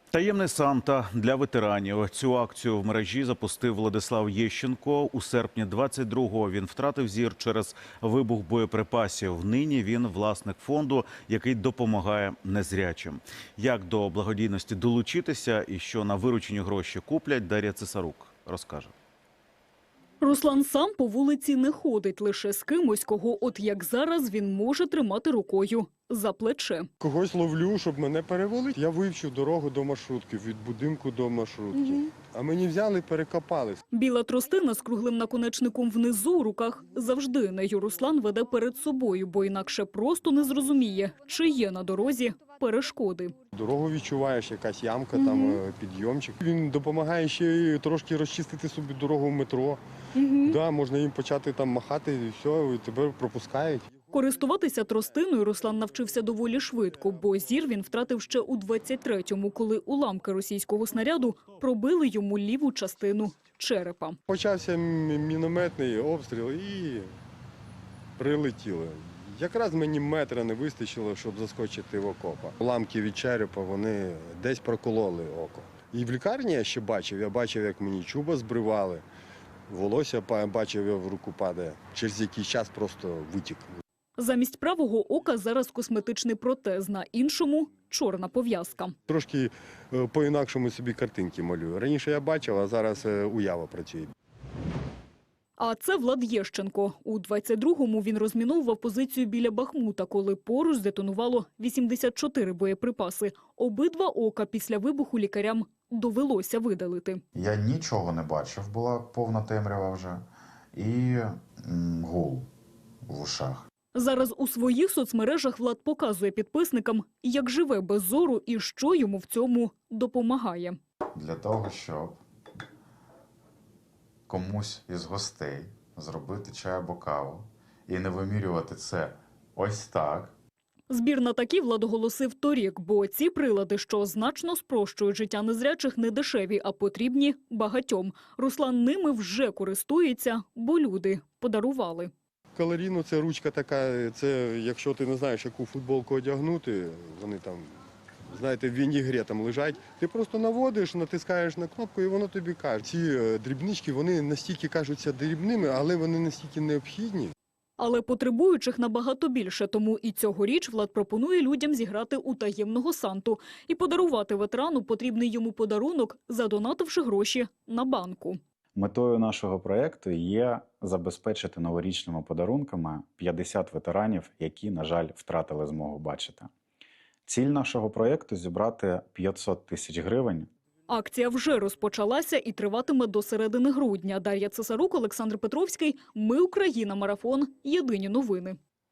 Таємний Санта для ветеранів. Цю акцію в мережі запустив Владислав Єщенко. У серпні 22-го він втратив зір через вибух боєприпасів. Нині він власник фонду, який допомагає незрячим. Як до благодійності долучитися і що на виручені гроші куплять, Дар'я Цесарук розкаже. Руслан сам по вулиці не ходить, лише з кимось, кого от як зараз він може тримати рукою за плече. Когось ловлю, щоб мене перевели. Я вивчив дорогу до маршрутки, від будинку до маршрутки. А мені взяли, перекопали. Біла тростина з круглим наконечником внизу у руках завжди. Нею Руслан веде перед собою, бо інакше просто не зрозуміє, чи є на дорозі перешкоди. Дорогу відчуваєш, якась ямка, там підйомчик. Він допомагає ще й трошки розчистити собі дорогу в метро. Да, можна їм почати там махати, і все, і тебе пропускають. Користуватися тростиною Руслан навчився доволі швидко, бо зір він втратив ще у 23-му, коли уламки російського снаряду пробили йому ліву частину черепа. Почався мінометний обстріл і прилетіло. Якраз мені метра не вистачило, щоб заскочити в окопа. Уламки від черепа, вони десь прокололи око. І в лікарні я ще бачив, як мені чуба збривали, волосся бачив, я в руку падає. Через якийсь час просто витік. Замість правого ока зараз косметичний протез, на іншому – чорна пов'язка. Трошки по-інакшому собі картинки малюю. Раніше я бачив, а зараз уява працює. А це Влад Єщенко. У 22-му він розміновував позицію біля Бахмута, коли поруч здетонувало 84 боєприпаси. Обидва ока після вибуху лікарям довелося видалити. Я нічого не бачив, була повна темрява вже. І гул в ушах. Зараз у своїх соцмережах Влад показує підписникам, як живе без зору і що йому в цьому допомагає. Для того, щоб комусь із гостей зробити чай або каву і не вимірювати це ось так. Збір на такі Влад оголосив торік, бо ці прилади, що значно спрощують життя незрячих, не дешеві, а потрібні багатьом. Руслан ними вже користується, бо люди подарували. Калоріно – це ручка така, це якщо ти не знаєш, яку футболку одягнути, вони там, знаєте, в вінігрі там лежать, ти просто наводиш, натискаєш на кнопку і воно тобі каже. Ці дрібнички, вони настільки кажуться дрібними, але вони настільки необхідні. Але потребуючих набагато більше, тому і цьогоріч Влад пропонує людям зіграти у таємного Санту і подарувати ветерану потрібний йому подарунок, задонативши гроші на банку. Метою нашого проєкту є забезпечити новорічними подарунками 50 ветеранів, які, на жаль, втратили змогу бачити. Ціль нашого проєкту – зібрати 500 тисяч гривень. Акція вже розпочалася і триватиме до середини грудня. Дар'я Цесарук, Олександр Петровський. Ми Україна. Марафон. Єдині новини.